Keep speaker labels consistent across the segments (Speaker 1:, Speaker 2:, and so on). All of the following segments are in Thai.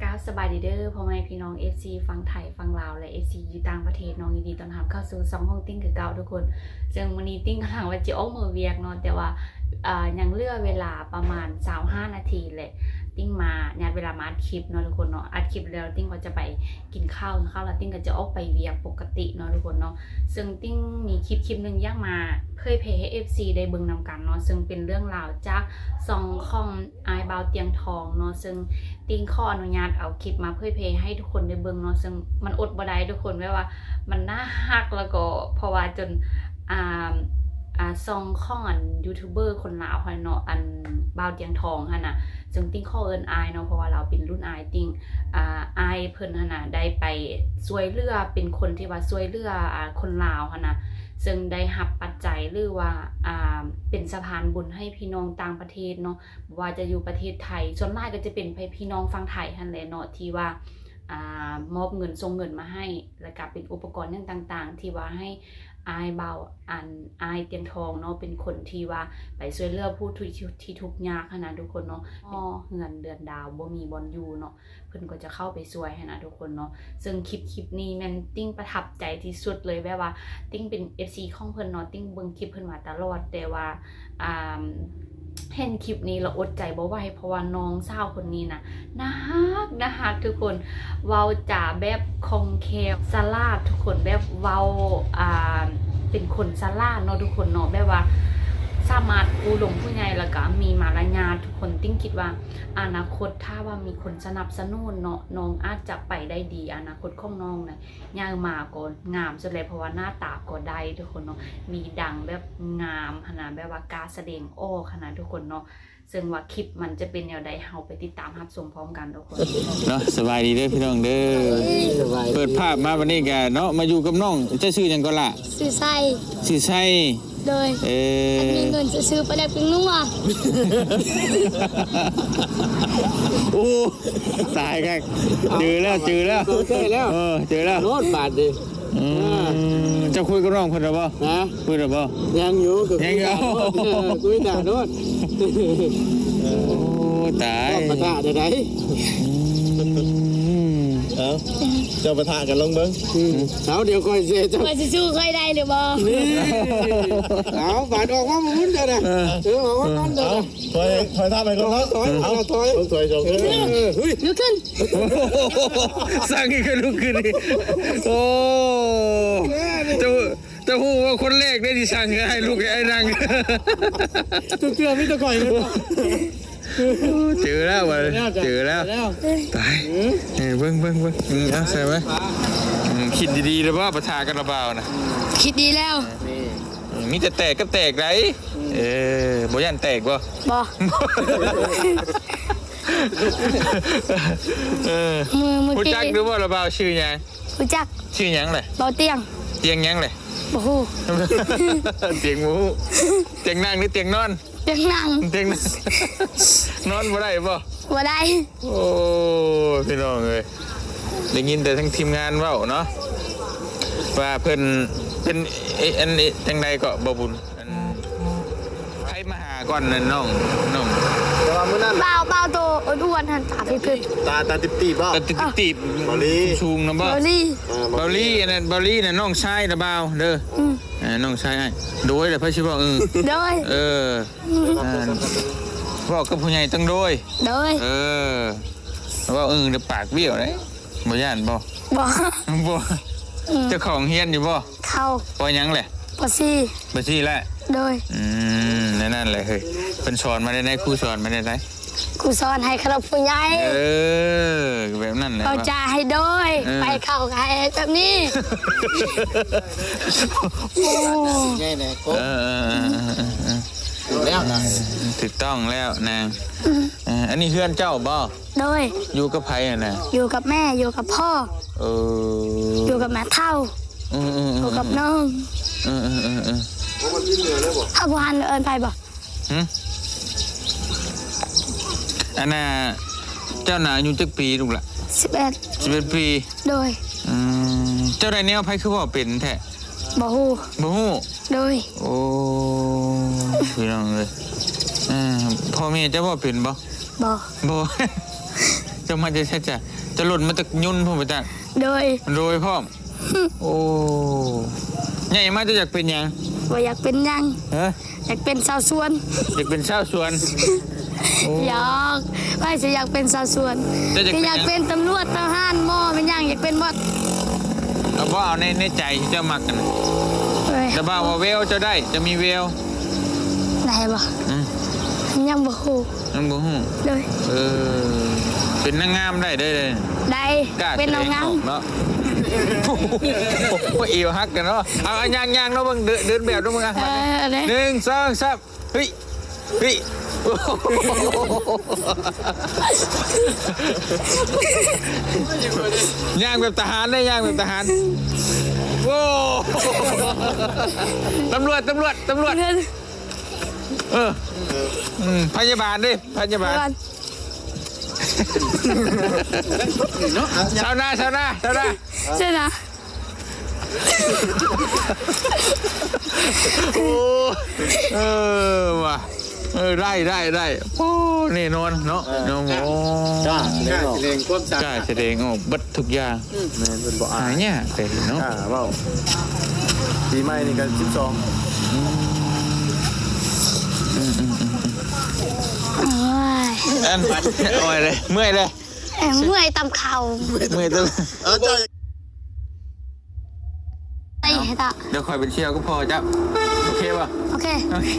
Speaker 1: ก้าวสบายดีเด้อพ่อแม่พี่น้อง FC ฟังไทยฟังลาวและ FC อยู่ต่างประเทศน้องยินดีต้อนรับเข้าสู่2ห้องติ้งคือเก่าทุกคนซึ่งวันนี้ติ้งกำลังว่าจะออกมือเวียกเนาะแต่ว่ายังเหลือเวลาประมาณ25นาทีแหละติ้งมาญาติเวลามาอัดคลิปเนาะทุกคนเนาะอัดคลิปแล้วติ้งก็จะไปกินข้าวแล้วติ้งก็จะออกไปเวียกปกติเนาะทุกคนเนาะซึ่งติ้งมีคลิปนึงย่างมาเผยแพร่ให้ FC ได้เบิ่งนำกันเนาะซึ่งเป็นเรื่องราวจาก2ของอายบาวเตียงทองเนาะซึ่งติ้งขออนุญาตเอาคลิปมาเผยแพร่ให้ทุกคนได้เบิ่งเนาะซึ่งมันอดบ่ได้ทุกคนแม้ว่ามันน่าฮักแล้วก็เพราะว่าจนซองข้องยูทูบเบอร์คนลาวค่ะเนาะบ่าวเตียงทองค่ะนะซึ่งติ้งข้อเอิญอายเนาะเพราะว่าเราเป็นรุ่นอายติ้งอายเพิ่นค่ะนะได้ไปช่วยเหลือเป็นคนที่ว่าช่วยเหลือคนลาวค่ะนะซึ่งได้รับปัจจัยหรือว่าเป็นสะพานบุญให้พี่น้องต่างประเทศเนาะว่าจะอยู่ประเทศไทยส่วนมากก็จะเป็นพี่น้องฝั่งไทยหั่นแหละเนาะที่ว่ามอบเงินส่งเงินมาให้แล้วก็เป็นอุปกรณ์ต่างๆที่ว่าให้อายเบาอายเตียงทองเนาะเป็นคนที่ว่าไปช่วยเหลือผู้ที่ทุกข์ยากนะทุกคนเนาะเงินเดือนดาวบ่มีบอนอยู่เนาะเพิ่นก็จะเข้าไปช่วยให้นะทุกคนเนาะซึ่งคลิปนี้แม่นติ้งประทับใจที่สุดเลยแบบว่าติ้งเป็น FC ของเพิ่นเนาะติ้งเบิ่งคลิปเพิ่นมาตลอดแต่ว่าเห็นคลิปนี้เราอดใจบ่ไหวเพราะว่าน้องสาวคนนี้นะน่าฮักทุกคนเว้าจ่าแบบคงแคบสลาดทุกคนแบบเว้าเป็นคนสลาดเนาะทุกคนเนาะแบบว่าสามารถผู้หลงผู้ใหญ่แล้วก็มีมารยาททุกคนติ้งคิดว่าอนาคตถ้าว่ามีคนสนับสนุนเนาะน้องอาจจะไปได้ดีอนาคตของน้องนะย่างมาก่อนงามสุดเลยเพราะว่าหน้าตาก็ได้ทุกคนเนาะมีดังแบบงามขนาดแบบว่าการแสดงออกขนาดทุกคนเนาะซึ่งว่าคลิปมันจะเป็นแนวใดเฮาไปติดตามรับชมพร้อมกันทุกคน
Speaker 2: เนาะสบายดีเด้อพี่น้องเด้อเปิดภาพมาวันนี้แกเนาะมาอยู่กับน้องจะชื่อหยังก็ล่ะ
Speaker 3: ซื้อไส้ โดยมีเงินจะซื้อไปแล้วเป็นนัว
Speaker 2: โอ้ตายกันเจอแล้วเจอแล้ว
Speaker 4: โน้ตบาทดิ
Speaker 2: จะคุยกับน้องคนหรือเปล่าคุยหรือเปล่า
Speaker 4: ยังอยู่คุยด่าโน้ต
Speaker 2: โอ้ตาย
Speaker 4: ปะทะได้ไหนเจ้าปะทะกันลงเบิ้งเอาเดี๋ยวค่อยเสียเจ้า
Speaker 3: ว่าจะสู้ค่อยได้หรือบ่
Speaker 4: เอาบาดออกมาหมุนเดี๋ยวนะออกมานั่นเดี๋ยวถอยท่าไปก่อนถอยจง
Speaker 3: ลุกขึ้น
Speaker 2: สร้างกันลุกขึ้นโอ้จะพูดว่าคนแรกได้ที่สั่งให้ลูกไอ้นาง
Speaker 4: ตุ๊กเตือนไม่ตะก่อยเลย
Speaker 2: เจอแล้ววะเจอแล้วตายเบิ้งเอาใส่ไหมคิดดีๆหรือว่าประทากันระเบานะ
Speaker 3: คิดดีแล้ว
Speaker 2: มีแต่แตกก็แตกไรบ่ยันแตกบ่ผู้จักหรือว่าระเบาชื่อยัง
Speaker 3: ผู้จัก
Speaker 2: ชื่อยังเลย
Speaker 3: เบาเตียง
Speaker 2: ยังเลย
Speaker 3: โอ้โห
Speaker 2: เตียงหมูเตียงนั่งหรือเตียงนอน
Speaker 3: เตียงนั่ง
Speaker 2: นอนบ่ได้บ่
Speaker 3: ได้
Speaker 2: โอ้พี่น้องเลยได้ยินแต่ทั้งทีมงานเว้าเนาะว่าเพิ่นเป็นอันนี้จังใดก็บ่บุญใครมาหาก่อนนั่นน้อง
Speaker 4: แต่ว่ามื้อนั้น
Speaker 3: เบาโตอ้วนๆหันตาพิบ
Speaker 4: ตาตีบบ่
Speaker 2: ตาตีบชูงนะบ่เบาลี่อันนั้นเบาลี่น่ะน้องชายนะบ่าวเด้อน้องชายโดยแต่เพิ่นสิบอก
Speaker 3: โดย
Speaker 2: บอกกับผู้ใหญ่ตั้งโดยว่าเดี๋ยวปากเบี้ยวเลยบ่ย่านบ่เจ้าของเฮียนอยู่บ่
Speaker 3: เข้า
Speaker 2: ปยังแหละ
Speaker 3: ปซี่
Speaker 2: แหละ
Speaker 3: โดย
Speaker 2: นั่นแหละเฮ้ยเป็นสอนมาได้ไหนครูสอนมาได้ไหน
Speaker 3: ครูสอนให้ขนมผู้ใหญ่
Speaker 2: แบบนั้นแหละ
Speaker 3: เขาจะให้โดยไปเข้าใครแบบนี้
Speaker 4: แน่ๆก็แล้วนะ
Speaker 2: ถูกต้องแล้วนางอันนี้เพื่อนเจ้าบ่
Speaker 3: โดย
Speaker 2: อยู่กับใครอ่ะนะ
Speaker 3: อยู่กับแม่อยู่กับพ่ออยู่กับแม่เท่าอยู่กับน้องถ้าพานเอิญไปบ่
Speaker 2: อันน่ะเจ้าหนาอายุจักปีลูกล่ะ11ปี
Speaker 3: โดย
Speaker 2: เจ้าได้แนวไผคือว่าเป็นแท้
Speaker 3: บ่ฮู้โดย
Speaker 2: โอ้พี่น้องเลยพ่อแม่เจ้าว่าเป็นบ่
Speaker 3: จะ
Speaker 2: จะมาจะใช่จะหล่นมาจากยุ่นพ่อไปจ้ะ
Speaker 3: โดย
Speaker 2: โรยพ่อมโอ้ใหญ่มากจะอยากเป็นยัง
Speaker 3: ว่าอยากเป็นหยัง
Speaker 2: ฮะ
Speaker 3: อยากเป็นชาวสวน
Speaker 2: อยากเป็นชาวสวน
Speaker 3: อยากไม่ใช่อยากเป็นชาวสวน
Speaker 2: แต่อยากเป็น
Speaker 3: อยากเป็นตำรวจทหารหม้อเป็นหยังอยากเป็นหมด
Speaker 2: เอาบ่เอาในใจที่เจ้ามักกัน
Speaker 3: เฮ้ย
Speaker 2: แต่บ่าว่าเวลจะได้จะมีเวล
Speaker 3: ได้บ่
Speaker 2: อืม
Speaker 3: ยังบ่ฮู้
Speaker 2: นั่นบ่ฮู้
Speaker 3: เลย
Speaker 2: เป็นนางงามได้เลย
Speaker 3: ได้
Speaker 2: กล้า
Speaker 3: เป็นน้องงาม
Speaker 2: เนาะว่าเอวฮักกันเนาะเอาย่างเนาะมึงเดินแบบเนาะมึงอ่ะ
Speaker 3: เลย
Speaker 2: 1 2 3เฮ้ยเฮ้ยย่างแบบทหารได้ย่างแบบทหารโว้ตำรวจพยาบาลดิพยาบาลชาวนา
Speaker 3: ใช่นะ
Speaker 2: โอ้ว่ะได้โอ้แน่นอนเนาะน้องโอ้
Speaker 4: จ้าเล่งความสะ
Speaker 2: กล้าแสดงออกบัดทุกอย่าง
Speaker 4: แม่นเป็นบ่
Speaker 2: หา
Speaker 4: อาย
Speaker 2: เนี่ยแต่เนาะ
Speaker 4: เว้าปีใหม่นี่ก็12
Speaker 3: โอ้ย
Speaker 2: อันโอ้ยเลยเมื่อยเลย
Speaker 3: เมื่อยตำเข่า
Speaker 2: เมื่อยตัว
Speaker 4: เจ้า
Speaker 3: ไอ้ตา
Speaker 2: เดี๋ยวคอยเป็นเชี่ยวก็พอจ้ะโอเคป่ะ
Speaker 3: โอเค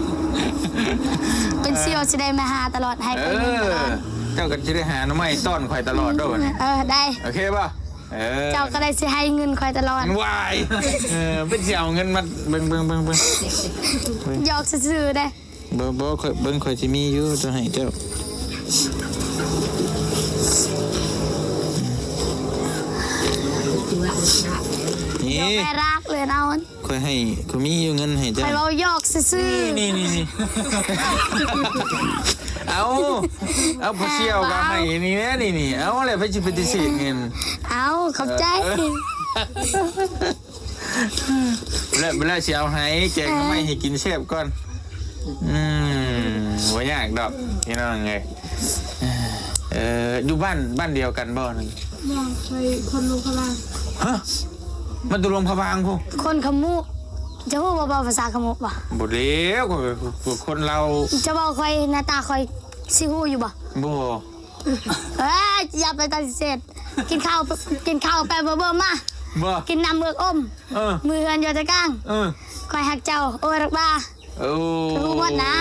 Speaker 3: เป็นเซียวจะได้มาหาตลอดให้ไปเงินตลอด
Speaker 2: เจ้ากันจะได้หาหน้ำไม้ซ่อนคอยตลอดด้วย
Speaker 3: ได้
Speaker 2: โอเคป่ะ
Speaker 3: เจ้าก็ได้สิให้เงินคอยตลอด
Speaker 2: มันวายเป็นเสี่ยวเงินมาเบิ่ง
Speaker 3: หยอกซื่อๆได้
Speaker 2: บ่คอยเบิ่งคอยสิมีอยู่จะให้เจ้านี่
Speaker 3: แม่รักเลยนะวัน
Speaker 2: คอยให้คอยมีอยู่เงินให้
Speaker 3: ค
Speaker 2: เจ้า
Speaker 3: อยเราหยอกซื่อ
Speaker 2: นี่เอาพอเชี่ยวกับให้นี่นะนี่เอาอะไรไปจิปฏิเสธเงิน
Speaker 3: เอาขอบใจ
Speaker 2: แล้วเวลาเชียวให้แกงไม่ให้กินแซ่บก่อนว่ายากดอกนี่น้องไงอยู่บ้านเดียวกันบ่นึง
Speaker 5: มองไปคนลงพลัง
Speaker 2: ฮะมันตุลงพะบางพู
Speaker 3: คนขมุจะพูดเบาๆภาษาขมุป่ะ
Speaker 2: บ่เลี้ยวคนเรา
Speaker 3: จะบอกคอยหน้าตาคอยซิฮู้อยู่ป่ะ
Speaker 2: บ่
Speaker 3: อย่าไปตัดเสร็จกินข้าวไปเบิ่มมา
Speaker 2: บ่
Speaker 3: กินน้ำเบือกอม มือเฮือนอยู่ตะก้างคอยหักเจ้าโอ้รักบ้า
Speaker 2: โอ้
Speaker 3: รู้หมดนะ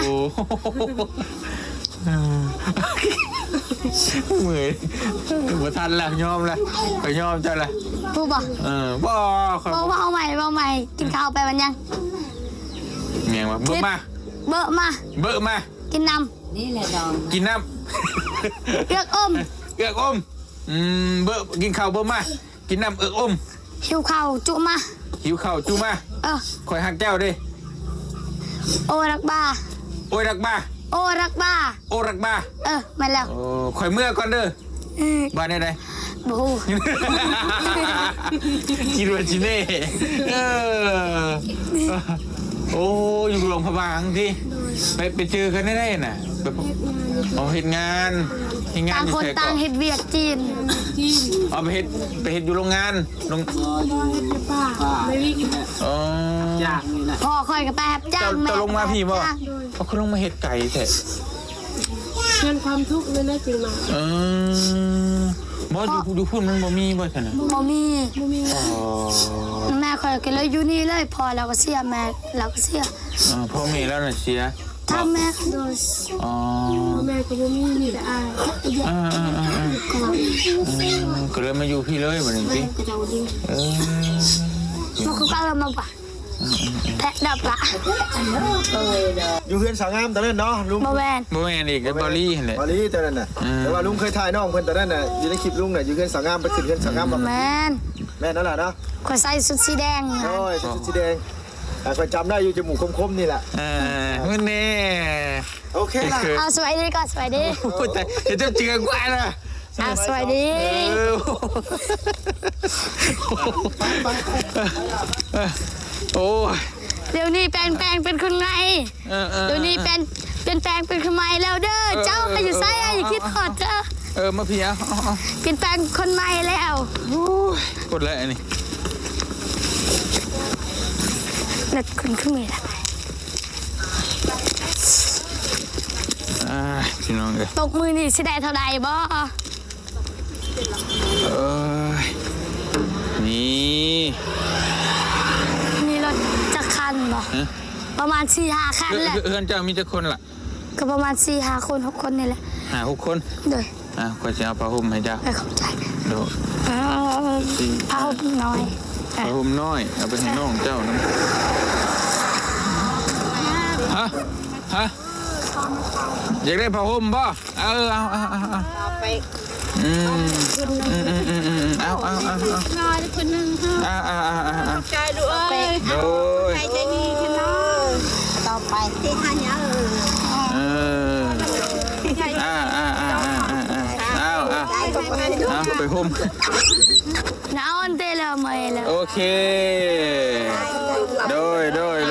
Speaker 2: เหมือนบ่ทันแล้วยอมแล้วไปยอมเจ้าละ
Speaker 3: พูดป่ะ
Speaker 2: บ่ค่อย
Speaker 3: บอกว่าเอาใหม่กินข้าวไปวันยัง
Speaker 2: เมียงว่าเบิ่มา
Speaker 3: เบิ่มา
Speaker 2: เบิ่มา
Speaker 3: กินน้
Speaker 2: กินน้
Speaker 3: ำเลือกอม
Speaker 2: ำเอือกอมเบิ่กินข้าวเบิ่มากินน้ำเอือกอม
Speaker 3: หิวข้าวจุมา
Speaker 2: หิวข้าวจูมาคอยหักเจ้าดิ
Speaker 3: โอ้รักบ้า
Speaker 2: โอ้ยรักบ้า
Speaker 3: โอ้รักบ้า
Speaker 2: โอ้รักบ้า
Speaker 3: มาแล้ว
Speaker 2: โอ้คอยเมื่อก่อนเด้อบ้านไหน
Speaker 3: บู
Speaker 2: คิดว่าจิเน่โอ้อยู่โรงพยาบาลที่ไปเจอกันได้น่ะแบบเห็นงาน
Speaker 3: ต่างคนต่างเฮ็ดเวียกจีน
Speaker 2: ไปเฮ็ดอยู่โรงงาน
Speaker 5: พ่อเฮ็ดในป่าไม่วิ่ง
Speaker 2: อ๋อ
Speaker 3: พ่อคอยกับแป๊บจ้างแม่
Speaker 2: จะลงมาพี่บ่เขาลงมาเฮ็ดไก่แท้
Speaker 5: เพื่อนความทุกข์เลยนะจริงมา
Speaker 2: บ่อยู่พุ่นมันบ่มีบ่ซั่นน่ะ
Speaker 3: บ่มี
Speaker 2: อ๋อ
Speaker 3: แม่คอยก็เลยอยู่นี่เลยพอเราก็เสียแม่เราก็เสีย
Speaker 2: พ่อแม่แล้วน่ะเสีย
Speaker 3: ถ้าแม่โดน
Speaker 2: อ๋อ
Speaker 5: แม่ก็บ่มีนี่แต่อาย
Speaker 2: ก็เลยมาอยู่พี่เลยบัดนี้สิ
Speaker 5: ก็จะดิ้ง
Speaker 3: มันก็เอามาป่ะแพะดับละ
Speaker 4: อยู่เฮือนสาวงามตอนนั้นเนาะลุง
Speaker 3: บ่แวน
Speaker 2: บ่แม่นอีกบอลลี่หั่นแหละ
Speaker 4: บาลีตอนนั้นน่ะแต่ว่าลุงเคยถ่ายน้องเพิ่นตอนนั้นน่ะอยู่ในคลิปลุงน่ะอยู่เฮือนสาวงามไปขึ้นเฮือนสาวงามบ่
Speaker 3: แมน
Speaker 4: แม่นั่นล่ะเนาะ
Speaker 3: คอยใส่ชุดสีแดง
Speaker 4: โอ้ยชุดสีแดงคอยจำได้อยู่จมูกคมๆนี่แหละ
Speaker 2: มันแน่
Speaker 4: โอเคล่ะ
Speaker 3: เอาสวยดีก่อนสวยดี
Speaker 2: พูดแต่เดี๋ยวจะเจอกว่านะ
Speaker 3: สวยดี
Speaker 2: โอ้ย
Speaker 3: เดี๋ยวนี้แปลงเป็นคนไงเดี๋ยวนี้เป็นแปลงเป็นคนใหม่แล้วเด้อเจ้าก็อยู่ไสอย่าคิดขอดเด้อ
Speaker 2: มาพี่เอา
Speaker 3: เปลี่ยนแปลงคนใหม่แล้ว
Speaker 2: กดเลยอันนี้
Speaker 3: เด็กคนขึ้นมาแล้ว
Speaker 2: พี่น้องเลย
Speaker 3: ตกมือนี่สิได้เท่าใดบ่
Speaker 2: นี่
Speaker 3: มีรถจักรคันบ่ประมาณ 4-5 คันแหละ
Speaker 2: เพื่อนเจ้ามีจักคนล่ะ
Speaker 3: ก็ประมาณ 4-5 คน 6 คนนี่แหละ
Speaker 2: 6 คน
Speaker 3: โดย
Speaker 2: ก็จะเอาผ้าห่มให้เจ้า
Speaker 3: ไปเข้าใจ
Speaker 2: โดด
Speaker 3: เอาน้อย
Speaker 2: ผ้าห่มน้อยเอาไปให้น้องเจ้านะฮะอยากได้ผ้าห่มป่ะเอาไปเอา
Speaker 5: น้อยคนนึงใจด้วย
Speaker 2: โดย
Speaker 5: ใจดีขึ้นเนาะต่อไปที่ทานเนี้ย
Speaker 2: เอาไปห่ม
Speaker 3: น้าอันเตลเมยแล้ว
Speaker 2: โอเคโดย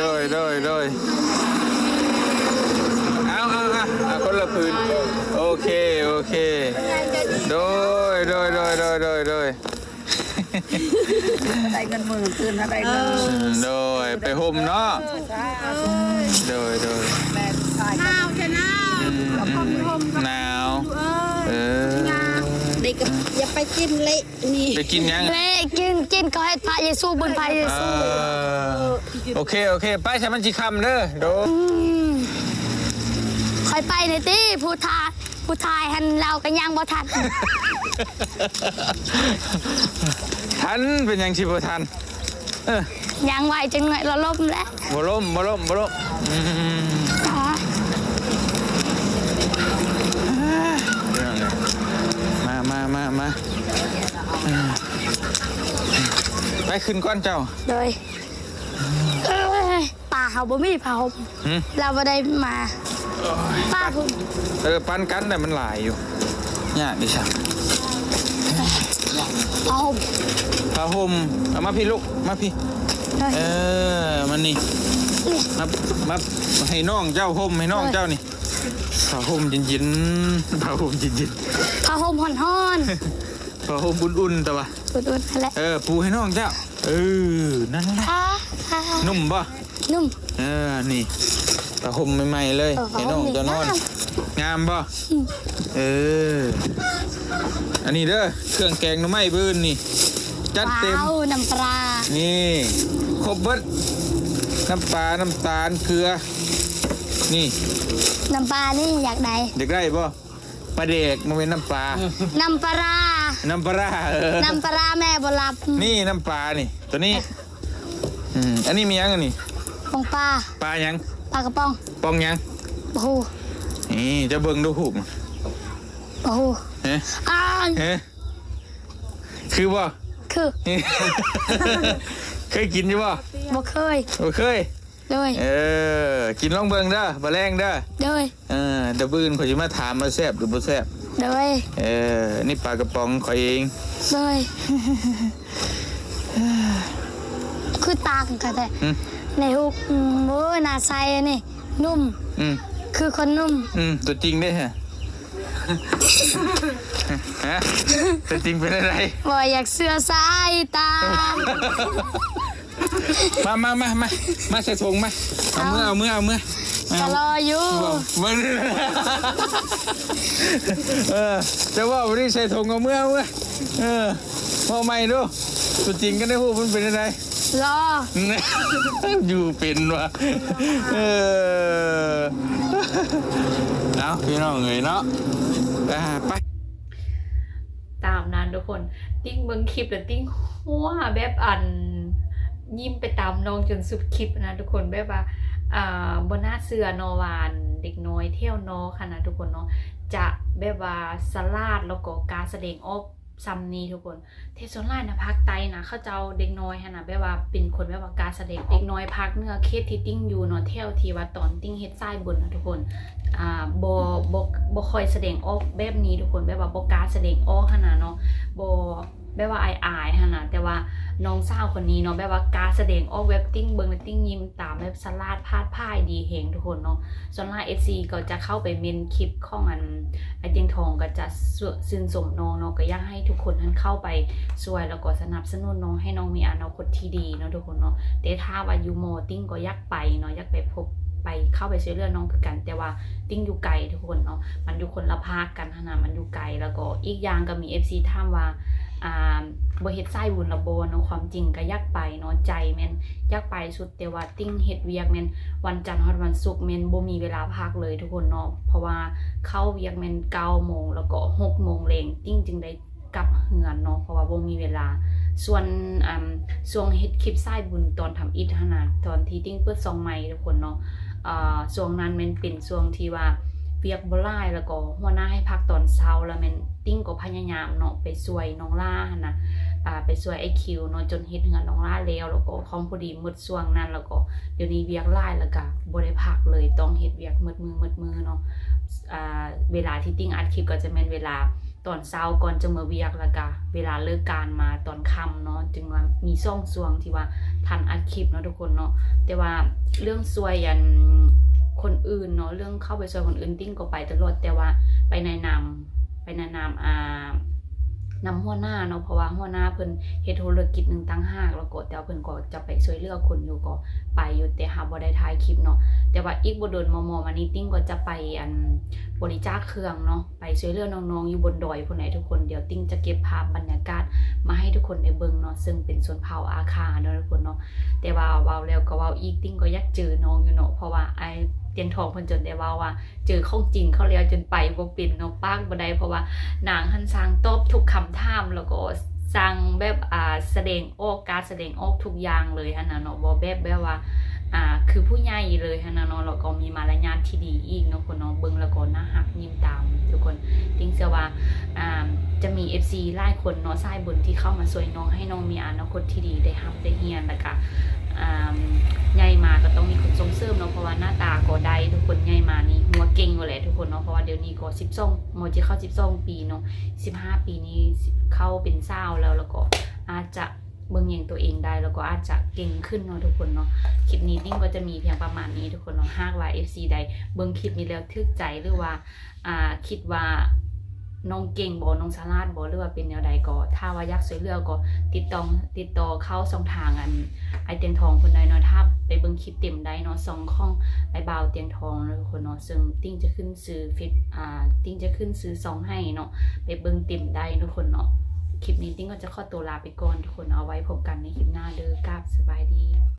Speaker 2: เอาคนละพื้นโอเคโดย
Speaker 6: ได้เงินหมื่นคืนอะไรเงิน
Speaker 2: โดยไปห่มเนาะโดย
Speaker 5: หนาวจะหนาว
Speaker 2: หนาว
Speaker 6: เด็กอย่าไปกินเละนี่
Speaker 2: ไปกินยัง
Speaker 3: เล่กินก็ให้พระเยซูบนพระเยซู
Speaker 2: โอเคไปใช้มันจีคำเด้อโดย
Speaker 3: คอยไปในที่ผู้ทายหันเรากันยังบ่ทัน
Speaker 2: ทันเป็นยังชิบทัน
Speaker 3: ยังไหวจังหน่อยเราล้มแล้ว
Speaker 2: บ่ล้มมาไปขึ้นก้อนเจ้า
Speaker 3: โดยป่าเขาบ่มีผ้าห่มเราบ่ได้มาป้าพุ่น
Speaker 2: ปันกันแต่มันหลายอยู่เนี่ยดิฉัน
Speaker 3: ผ้าห่ม
Speaker 2: เอามาพี่ลูกมาพี่มันนี่มาให้น้องเจ้าห่มให้น้องเจ้านี่ผ้าห่มเย็นๆผ้าห่มเย็น
Speaker 3: ผ้าห่มห่อน
Speaker 2: ผ้าห่มอุ่นๆแต่ว่า
Speaker 3: ๆอุ่นๆนั่นแหละ
Speaker 2: ปูให้น้องเจ้านั่นแหละนุ่มป่ะ
Speaker 3: นุ่ม
Speaker 2: นี่ผ้าห่มใหม่ๆเลยให้น้องเจ้านอนงามป่ะอันนี้เด้อเครื่องแกงหน่อไม้เบิ้นนี่จัดเต็ม
Speaker 3: น้ำปลา
Speaker 2: นี่ครบเบิดน้ำปลาน้ำตาลเกลือนี่
Speaker 3: น้ำปลานี่อยากได้
Speaker 2: เด็กได้ป่ะปลาเด็กมันเป็นน้ำปลา
Speaker 3: น้ำปลา
Speaker 2: น้ำปลา
Speaker 3: น้ำปลาแม่บ่รับ
Speaker 2: นี่น้ำปลานี่ตัวนี้อันนี้มียังอันนี้
Speaker 3: ปองป
Speaker 2: ลายัง
Speaker 3: ปลากระป๋อง
Speaker 2: ปองยัง
Speaker 3: โอ้โห
Speaker 2: นี่จะเบิ่งดูหุบ
Speaker 3: โอ้โห
Speaker 2: คือป่ะ
Speaker 3: คือ
Speaker 2: เคยกินอยู่ป่ะ
Speaker 3: บ่เคยเลย
Speaker 2: กินลองเบิ่งเด้อบ่แรงเด้อ
Speaker 3: เลย
Speaker 2: เดี๋ยวบื้นข่อยสิมาถามมาแซ่บหรือบ่แซ่บ
Speaker 3: เลย
Speaker 2: นี่ปลากระป๋องข่อยเอง
Speaker 3: เลยคือตากันแต่ในฮุกหน้าใสนี่นุ่มคือคนนุ่ม
Speaker 2: ตัวจริงเด้ฮะตัวจริงเป็นอะไร
Speaker 3: บ่อยากเสื้อสายตา
Speaker 2: มาใส่ถุงมาเอาเมื่อ
Speaker 3: จะรออยู่
Speaker 2: จะว่าวันนี้ใส่ถุงเอาเมื่อพอไม่ดูตัวจริงกันได้พูดมันเป็นอะไร
Speaker 3: รอ
Speaker 2: อยู่เป็นวะเอาพี่น้องเอ๋ยเนาะไป
Speaker 1: ตามนั้นทุกคนติ้งเบิ่งคลิปแล้วติ้งหัวแบบยิ้มไปตามน้องจนสุดคลิปนะทุกคนแบบว่าบนหน้าเสือนอวานเด็กน้อยเที่ยวนอค่ะนะทุกคนเนาะจะแบบว่าสลาดแล้วก็การแสดงออกซัมนี้ทุกคนเทศไลน์นะภาคใต้นะเขาเจ้าเด็กน้อยค่ะนะแบบว่าเป็นคนแบบว่าการแสดงเด็กน้อยภาคเหนือเคสที่ติ้งอยู่เนาะเที่ยวที่ว่าตอนติ้งเฮ็ดไส้บนนะทุกคนบ่ค่อยแสดงออกแบบนี้ทุกคนแบบว่าบ่การแสดงออกขนาดเนาะบ่แบบว่าอายๆฮะนะแต่ว่าน้องสาวคนนี้เนาะแบบว่าการแสดงออกเว็บติ้งเบิงติ้งยิ้มตามแบบสลาดพาดพ่ายดีเฮงทุกคนเนาะส่วนล่า FC ก็จะเข้าไปเมนคลิปของไอเตียงทองก็จะชื่นชมน้องเนาะก็อยากให้ทุกคนนั้นเข้าไปช่วยแล้วก็สนับสนุนน้องให้น้องมีอนาคตที่ดีเนาะทุกคนเนาะแต่ถ้าว่าอยู่โมติ้งก็อยากไปเนาะอยากไปพบไปเข้าไปช่วยเหลือน้องคือกันแต่ว่าติ้งอยู่ไกลทุกคนเนาะมันอยู่คนละภาคกันขนาดมันอยู่ไกลแล้วก็อีกอย่างก็มี FC ถามว่าบ่เฮ็ดไส้บุญละบ่เนาะความจริงก็อยากไปเนาะใจแม่นอยากไปสุดแต่ว่าติ้งเฮ็ดเวียกแม่นวันจันทร์ฮอดวันศุกร์แม่นบ่มีเวลาพักเลยทุกคนเนาะเพราะว่าเข้าเวียกแม่น 9 โมงแล้วก็6 โมงแลงติ้งจึงได้กลับเฮือนเนาะเพราะว่าบ่มีเวลาส่วนช่วงเฮ็ดคลิปไส้บุญตอนทำอิฐขนาดตอนที่ติ้งเปิดซองใหม่ทุกคนเนาะช่วงนั้นแม่นเป็นช่วงที่ว่าเวียกบ่หลายแล้วก็หัวหน้าให้พักตอนเช้าแล้วแม่นติ้งก็พยายามเนาะไปช่วยน้องล่านะไปช่วยไอคิวเนาะจนเฮ็ดเงินน้องล่าแล้วก็ของพอดีหมดช่วงนั้นแล้วก็เดี๋ยวนี้เวียกหลายแล้วก็บ่ได้พักเลยต้องเฮ็ดเวียกมืดมือเนาะเวลาที่ติ้งอัดคลิปก็จะแม่นเวลาตอนเช้าก่อนจะมาเวียกแล้วก็เวลาเลิกการมาตอนค่ำเนาะจึงว่ามีช่วงที่ว่าทันอัดคลิปเนาะทุกคนเนาะแต่ว่าเรื่องช่วยยันคนอื่นเนาะเรื่องเข้าไปช่วยคนอื่นติ้งก็ไปตลอดแต่ว่าไปแนะนำนำหัวหน้าเนาะเพราะว่าหัวหน้าเพิ่นเฮ็ดธุรกิจนึงต่างหากแล้วก็แต่เพิ่นก็จะไปช่วยเหลือคนอยู่ก็ไปอยู่แต่หาบ่ได้ถ่ายคลิปเนาะแต่ว่าอีกบ่โดนมอมานี้ติ้งก็จะไปบริจาคเครื่องเนาะไปช่วยเหลือน้องๆอยู่บนดอยพุ่นไหนทุกคนเดี๋ยวติ้งจะเก็บภาพบรรยากาศมาให้ทุกคนได้เบิ่งเนาะซึ่งเป็นชนเผ่าอาคาเนาะทุกคนเนาะแต่ว่าเว้าแล้วก็เว้าอีกติ้งก็อยากเจอน้องอยู่เนาะเพราะว่าไอเตียงทองเพิ่นจนได้ว่าเจอของจริงเขาแล้วจนไปบ่เป็นเนาะปากบ่ได้เพราะว่านางหันสร้างตอบทุกคำถามแล้วก็สร้างแบบแสดงออกการแสดงออกทุกอย่างเลยหั่นน่ะเนาะบ่แบบว่าคือผู้ใหญ่เลยหั่นน่ะเนาะแล้วก็มีมารยาทที่ดีอีกเนาะคนเนาะเบิ่งแล้วก็น่าฮักยิ้มตามทุกคนติ้งเชื่อว่าจะมี FC หลายคนเนาะสายบุญที่เข้ามาช่วยน้องให้น้องมีอนาคตที่ดีได้รับได้เรียนแล้วก็ใหญ่มาก็ต้องมีคนส่งเสริมเนาะเพราะว่าหน้าตาก็ได้ทุกคนใหญ่มานี่หัวเก่งอยู่แหละทุกคนเนาะเพราะว่าเดี๋ยวนี้ก็12มอจะเข้า12 ปีเนาะ15 ปีนี้เข้าเป็นสาวแล้วก็อาจจะเบิ่งแยงตัวเองได้แล้วก็อาจจะเก่งขึ้นเนาะทุกคนเนาะคลิปนี้ติ้งก็จะมีเพียงประมาณนี้ทุกคนเนาะหากว่า FC ใดเบิ่งคลิปนี้แล้วทึกใจหรือว่าคิดว่าน้องเก่งบ่น้องสลาดบ่หรือว่าเป็นแนวใดก็ถ้าว่าอยากช่วยเหลือก็ติดต่อเข้าช่องทางไอเตียงทองคนใดเนาะถ้าไปเบิ่งคลิปเต็มได้เนาะ2ของไอบ่าวเตียงทองทุกคนเนาะซึ่งติ้งจะขึ้นซื้อติ้งจะขึ้นซื้อ2ให้เนาะไปเบิ่งเต็มได้ทุกคนเนาะคลิปนี้ติ้งก็จะขอตัวลาไปก่อนทุกคนเอาไว้พบกันในคลิปหน้าเด้อกราบสบายดี